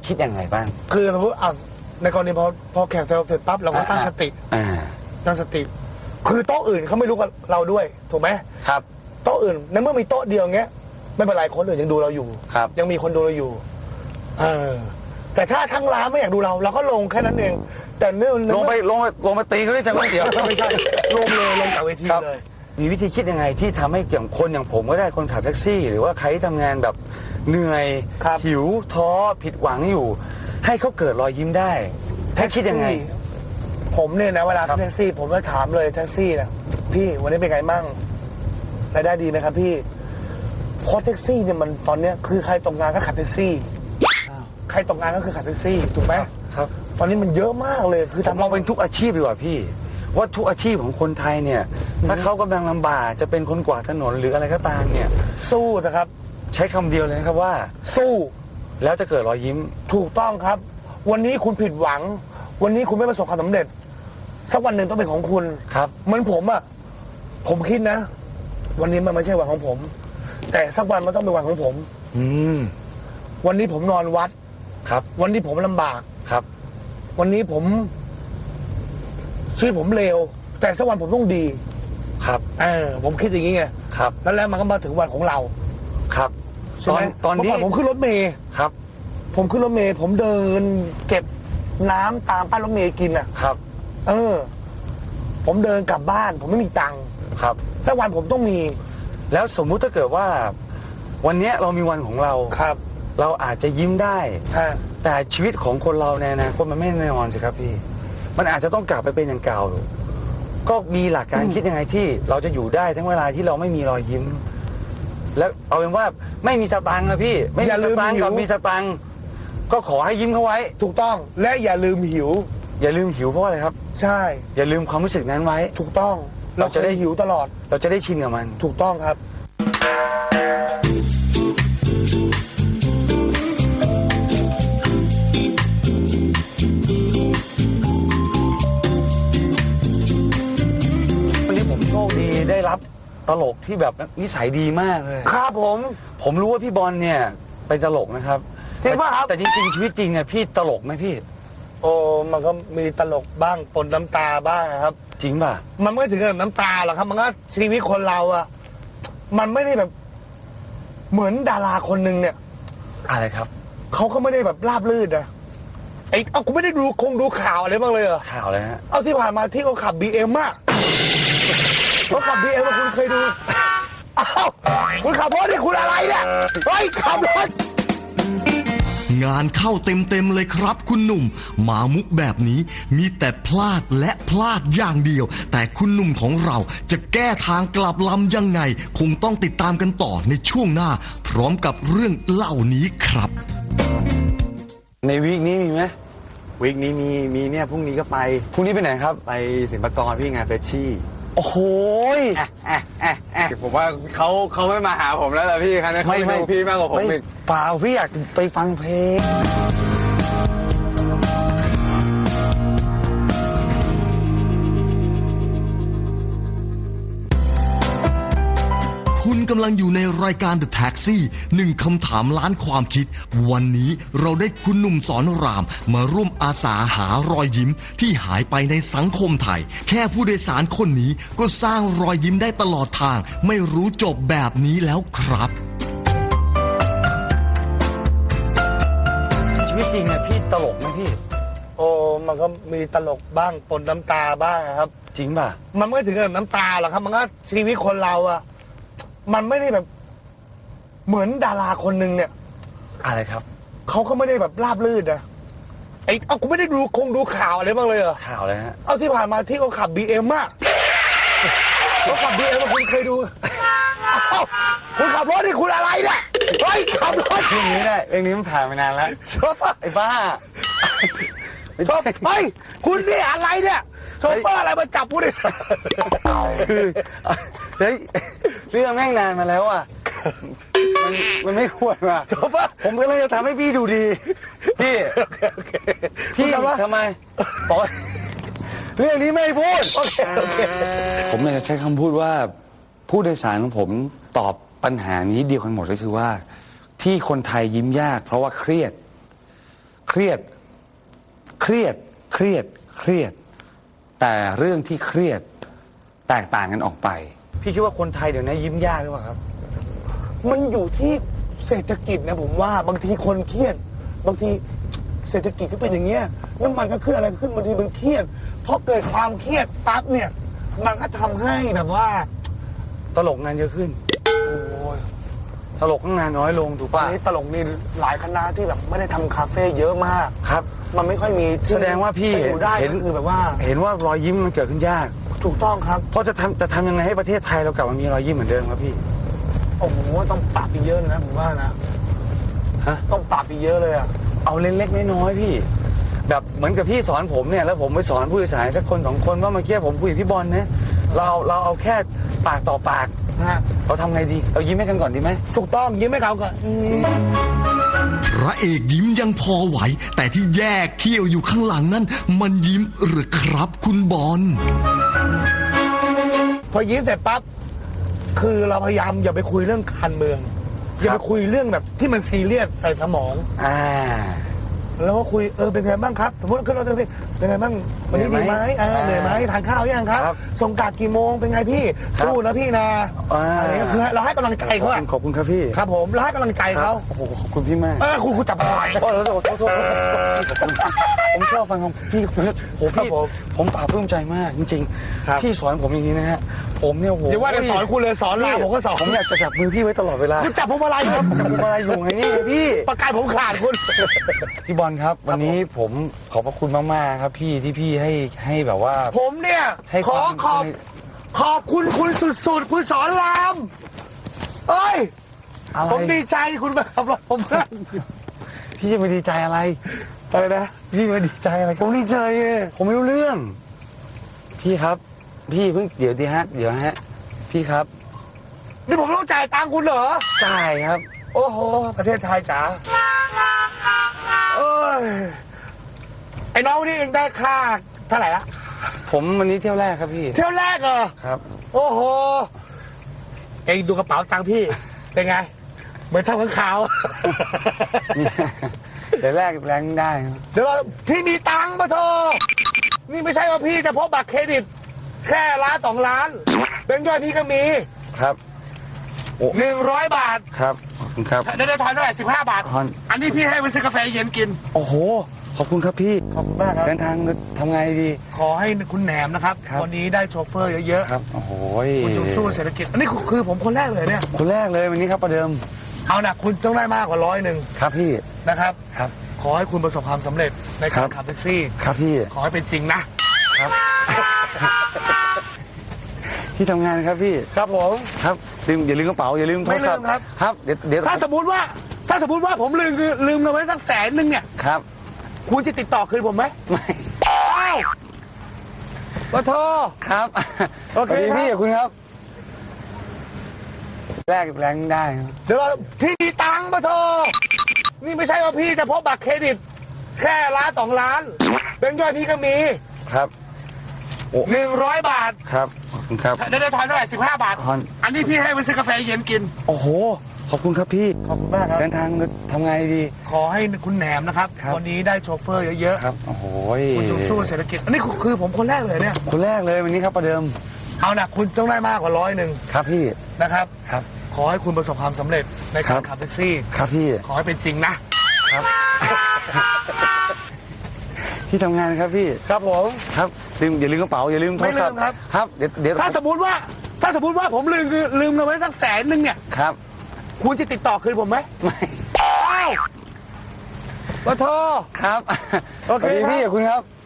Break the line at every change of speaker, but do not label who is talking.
คิดยังไงบ้าง
คือสมมติในกรณีพอแข่งเสร็จปั๊บเราก็ตั้งสติตั้งสติคือโต๊ะอื่นเขาไม่รู้กับเราด้วยถูกไหม
ครับ
โต๊ะอื่นในเมื่อมีโต๊ะเดียวเงี้ยไม่เป็นไรคนอื่นยังดูเราอยู่ยังมีคนดูเราอยู่แต่ถ้าทั้งร้านไม่อยากดูเราก็ลงแค่นั้นเองแต่เนื่อง
ลงไปตีเขาได้จังหวะเดียว
ไม่ใช่ลงจากเวทีเลย
มีวิธีคิดยังไงที่ทำให้อย่างคนอย่างผมก็ได้คนขับแท็กซี่ หรือว่าใครที่ทำงานแบบเหนื่อยหิวท้อผิดหวังอยู่ให้เขาเกิดรอยยิ้มได้แท็กคิดยังไง
ผมเนี่ยนะเวลาแท็กซี่ผมก็ถามเลยแท็กซี่นะพี่วันนี้เป็นไงมั่งรายได้ดีไหมครับพี่เพราะแท็กซี่เนี่ยมันตอนเนี้ยคือใครตกงานก็ขับแท็กซี่ใครตกงานก็คือขับแท็กซี่ถูกไหม
ครับ
ตอนนี้มันเยอะมากเลยคือ
ทำมองเป็นทุกอาชีพดีกว่าพี่ว่าทุกอาชีพของคนไทยเนี่ยถ้าเขากำลังลำบากจะเป็นคนกวาดถนนหรืออะไรก็ตามเนี่ย
สู้นะครับ
ใช้คำเดียวเลยนะครับว่า
สู้
แล้วจะเกิดรอยยิ้ม
ถูกต้องครับวันนี้คุณผิดหวังวันนี้คุณไม่ประสบความสำเร็จสักวันหนึ่งต้องเป็นของคุณ
ครับ
เหมือนผมผมคิดนะวันนี้มันไม่ใช่วันของผมแต่สักวันมันต้องเป็นวันของผมวันนี้ผมนอนวัด
ครับ
วันนี้ผมลำบาก
ครับ
วันนี้ชีวิตผมเลวแต่สักวันผมต้องดี
ครับ
ผมคิดอย่างนี้ไง
ครับ
แล้วมันก็มาถึงวันของเรา
ครับ
ตอนนี้ผมขึ้นรถเมล์
ครับ
ผมขึ้นรถเมล์ผมเดินเก็บน้ำตามป้ายรถเมล์กิน
ครับ
ผมเดินกลับบ้านผมไม่มีตังค์
ครับ
สักวันผมต้องมี
แล้วสมมุติถ้าเกิดว่าวันนี้เรามีวันของเรา
ครับ
เราอาจจะยิ้มได้แต่ชีวิตของคนเราในอนาคตมันไม่แน่นอนสิครับพี่มันอาจจะต้องกลับไปเป็นอย่างเก่าก็มีหลักการคิดยังไงที่เราจะอยู่ได้ทั้งเวลาที่เราไม่มีรอยยิ้มแล้วเอาเป็นว่าไม่มีสตังค์นะพี่ไม่มีสตังค์กับมีสตังค์ก็ขอให้ยิ้มเขาไว้
ถูกต้องและอย่าลืมหิว
อย่าลืมหิวเพราะอะไรครับ
ใช่
อย่าลืมความรู้สึกนั้นไว้
ถูกต้องเราจะได้หิวตลอด
เราจะได้ชินกับมัน
ถูกต้องครับ
วันนี้ผมโชคดีได้รับตลกที่แบบนิสัยดีมากเลย
ครับ
ผมรู้ว่าพี่บอลเนี่ยเป็นตลกนะครับ
จริงป่ะครับ
แต่จริงๆชีวิตจริงเนี่ยพี่ตลกไหมพี่
มันก็มีตลกบ้างปนน้ำตาบ้างครับ
จริงป่ะ
มันไม่ถึงกับน้ำตาหรอกครับมันก็ชีวิตคนเรามันไม่ได้แบบเหมือนดาราคนหนึ่งเนี่ย
อะไรครับ
เขาก็ไม่ได้แบบราบลื่นนะกูไม่ได้ดูข่าวอะไรบ้างเลยเหรอ
ข่าวอะไรฮะ
ที่ผ่านมาที่เขาขับ BM เขาขับ BM คุณเคยดูคุณขับรถนี่คุณอะไรเนี่ยเฮ้ยขับรถ
งานเข้าเต็มเลยครับคุณหนุ่มมามุกแบบนี้มีแต่พลาดและพลาดอย่างเดียวแต่คุณหนุ่มของเราจะแก้ทางกลับลำยังไงคงต้องติดตามกันต่อในช่วงหน้าพร้อมกับเรื่องเล่านี้ครับ
ในวีคนี้มีไหม
วีคนี้มีเนี่ยพรุ่งนี้ก็ไป
พรุ่งนี้ไปไหนครับ
ไปศิลปากรพี่งานเฟชชี่
โอ้โห
ผมว่าเขาไม่มาหาผมแล้วล่ะพี่ครับเขาไปดูพี่มากกว่าผมอีก
เปล่าพี่อยากไปฟังเพลง
คุณกำลังอยู่ในรายการ The Taxi 1 คำถามล้านความคิดวันนี้เราได้คุณหนุ่มสอนรามมาร่วมอาสาหารอยยิ้มที่หายไปในสังคมไทยแค่ผู้โดยสารคนนี้ก็สร้างรอยยิ้มได้ตลอดทางไม่รู้จบแบบนี้แล้วครับ
ชีวิตจริงเนี่ยพี่ตลกไหมพี่
มันก็มีตลกบ้างปนน้ำตาบ้างครับ
จริงป่ะ
มันไม่ถึงกับน้ำตาหรอกครับมันก็ชีวิตคนเรามันไม่ได้แบบเหมือนดาราคนหนึ่งเนี่ย
อะไรครับ
เขาก็ไม่ได้แบบราบลื่นนะกูไม่ได้ดูข่าวอะไรบ้างเลยเหรอ
ข่าวอะไรฮะ
ที่ผ่านมาที่เขาขับ BM เขาขับ BM คุณเคยดูคุณขับรถนี่คุณอะไรเนี่ยเฮ้ยขับรถ
เรื่องนี้ได้เรื่องนี้มันผ่านมานานแล้ว
ชอบ
ไอ้บ้า
ชอบเฮ้ยคุณนี่อะไรเนี่ยโชเฟอร์อะไรมาจับผู้โดยสาร
คือเฮ้ยเรื่องแม่งนานมาแล้วมันไม่ควรว่ะ
โชเฟอร์
ผมก็เลยจะทำให้พี่ดูดีพี่ทำไมบอกเรื่องนี้ไม่พูดผมเลยจะใช้คำพูดว่าผู้โดยสารของผมตอบปัญหานี้เดียวกันหมดก็คือว่าที่คนไทยยิ้มยากเพราะว่าเครียดเครียด เครียด เครียด เครียด แต่เรื่องที่เครียดแตกต่างกันออกไป พี่คิดว่าคนไทยเดี๋ยวนี้ยิ้มยากหรือเปล่าครับ
มันอยู่ที่เศรษฐกิจนะผมว่าบางทีคนเครียด บางทีเศรษฐกิจก็เป็นอย่างเงี้ยน้ำมันก็ขึ้นอะไรก็ขึ้นบางทีมันเครียดเพราะเกิดความเครียดปั๊บเนี่ยมันก็ทำให้แบบว่า
ตลกงานเยอะขึ้น
โอ้ย
ตลกก็งานน้อยลงถูก
ตอน
ป่ะ
นี้ตลกนี่หลายคณะที่แบบไม่ได้ทำคาเฟ่เยอะมาก
ครับ
มันไม่ค่อยมีที่
แสดงว่าพี่
จะอยู่ได้
เห็น
ก็คือแบบว่า
เห็นว่ารอยยิ้มมันเกิดขึ้นยาก
ถูกต้องครับ
เพราะจะทำยังไงให้ประเทศไทยเรากลับมามีรอยยิ้มเหมือนเดิมครับพี่
โอ้โหต้องปรับอีกเยอะนะผมว่านะ
ฮะ
ต้องปรับอีกเยอะเลยอ่ะ
เอาเล็กๆน้อยๆพี่ แบบเหมือนกับพี่สอนผมเนี่ยแล้วผมไปสอนผู้โดยสารสักคนสองคนว่าเมื่อกี้ผมคุยกับพี่บอลนะเราเอาแค่ปากต่อปาก
นะฮะ
เราทำไงดีเรายิ้มให้กันก่อนดีไหม
ถูกต้องยิ้มให้เขาก่อน
พระเอกยิ้มยังพอไหว แต่ที่แยกเขี้ยวอยู่ข้างหลังนั้น มันยิ้มหรือครับคุณบอล
พอยิ้มเสร็จปั๊บคือเราพยายามอย่าไปคุยเรื่องการเมือง อย่าไปคุยเรื่องแบบที่มันซีเรียสใส่สมอง
อ่า
แล้วก็คุยเป็นไงบ้างครับสมมติขึ้นรถแท็กซี่เป็นไงบ้างวันนี้
เหนื่
ดี
อย
ไห
ไห
ม
ม
เหนื่อยไหมทานข้าวยังครับ
ครับ
ส่งกาดกี่โมงเป็นไงพี่
ครับ
สู้นะพี่นะ อะไรเงี้ยคือเราให้กำลังใจเขาอะ
ขอบคุณครับพี่
ครับผมเราให้กำลังใจเขา
โอ้โหขอบคุณพี่มาก
คุณจับอะไร
โอ้โหโทษผมชอบฟังของพี่โอ้
ครับ
พี่
ผม
ผมปลาบปลื้มใจมากจริง
ครับ
ๆพี่สอนผมอย่างนี้นะฮะผมเนี่ยโอ้โห
เดี๋ยวว่าจะสอนคุณเลยสอนลาผมก็สอน
ผมอยากจะจับมือพี่ไว้ตลอดเวลา
คุณจับผมอะไรครับ
จับมืออะไรอยู่ไงนี่พี่
ประกาศผมขาดคุณ
พี่บอลครับ วันนี้ผมขอบพระคุณมากๆครับพี่ที่พี่ให้แบบว่า
ผมเนี่ย
ให้
ข
ค
อ
วาม
ขอบคุณคุณสุดๆคุณสอนรามเอ้ย
อะไร
ผมดีใจคุณมาขับรถผมนั่ง
พี่จะมาดีใจอะไรอะไรนะพี่มาดีใจอะไร
ผมดีใจไง
ผมไม่รู้เรื่อง พี่ครับ พี่เพิ่งเดี๋ยวดีฮะเดี๋ยวฮะพี่ครับ
นี่ผมต้องจ่ายตังค์คุณเหรอ
จ่ายครับ
โอ้โห ประเทศไทยจ๋าเอ้ย ไอ้น้องนี่เองได้ค่าเท่าไหร่ละ
ผมวันนี้เที่ยวแรกครับพี่
เที่ยวแรกเหรอ
ครับ
โอ้โห เองดูกระเป๋าตังค์พี่ เป็นไง เหมือนเท่าข้างขาว
เดี๋ยวแรกแรงได้ครับ
เดี๋ยวเราพี่มีตังค์มาโทรนี่ไม่ใช่ว่าพี่จะพกบัตรเครดิต แค่ล้าน2 ล้านแบงค์ย่อยพี่ก็มี
ครับ โอ้
100 บาท
ครับขอบคุณครับ
ได้ทอนเท่าไหร่15 บาท
ทอน
อันนี้พี่ให้ไปซื้อกาแฟเย็นกิน
โอ้โหขอบคุณครับพี่
ขอบคุณมากครับ
เดินทางทำไงดี
ขอให้คุณแหนมนะครับ
ครับ
วันนี้ได้โชเฟอร์เยอะ
ครับโอ้โห
ๆ คุณสู้เศรษฐกิจ อันนี้คือผมคนแรกเลยเนี่ย
คนแรกเลยวันนี้ครับประเดิม
เอานะคุณต้องได้มากกว่า100
ครับพี่
นะครับ
ครับ
ขอให้คุณประสบความสำเร็จใน
ครั
การ
บ
ขับแท็กซี่
ครับพี่
ขอให้เป็นจริงนะ
ครับ ที่ทำงานครับพี่
ครับผม
ครับอย่าลืมกระเป๋าอย่าลืมโทรศัพท์
ไม่ลืมครับ
ครับเดี๋ยว
ถ้าสมมติว่าผมลืมเงินไว้สัก100,000เนี่ย
ครับ
คุณจะติดต่อคืนผมไหม
ไม่
อ้าวมาโทร
ครับ
โอเค
สวัสดี
ครับ
พี่ขอบคุณครับ แรกแรงได้ครับ
เดี๋ยวพี่มีตังค์มาโทรนี่ไม่ใช่ว่าพี่จะพกบัตรเครดิต แค่ล้าน2 ล้านแบงค์ย่อยพี่ก็มี
ครับ โอ้
100 บาท
ครับขอบคุณครับ
ได้ทอนเท่าไหร่15 บาท
ทอน
อันนี้พี่ให้ไปซื้อกาแฟเย็นกิน
โอ้โหขอบคุณครับพี่
ขอบคุณมากครับ
เดินทางทำไงดี
ขอให้คุณแหนมนะครับ
ครับ
วันนี้ได้โชเฟอร์เยอะ
ครับโอ้โห
ๆ คุณสู้เศรษฐกิจ อันนี้คือผมคนแรกเลยเนี่ย
คนแรกเลยวันนี้ครับประเดิม
เอานะคุณต้องได้มากกว่า100
ครับพี่
นะครับ
ครับ
ขอให้คุณประสบความสำเร็จใน
ครั
การ
บ
ขับแท็กซี่
ครับพี่
ขอให้เป็นจริงนะ
ครับ ที่ทำงานครับพี่
ครับผม
ครับอย่าลืมกระเป๋าอย่าลืมโทรศัพท์
ไม่ลืมครับ
ครับเดี๋ยว
ถ้าสมมติว่าผมลืมเงินไว้สัก100,000เนี่ย
ครับ
คุณจะติดต่อคืนผมไหม
ไม่
อ้าวมาโทร
ครับ
โอเค
สวัสดี
ครับ
พี่ขอบคุณครับ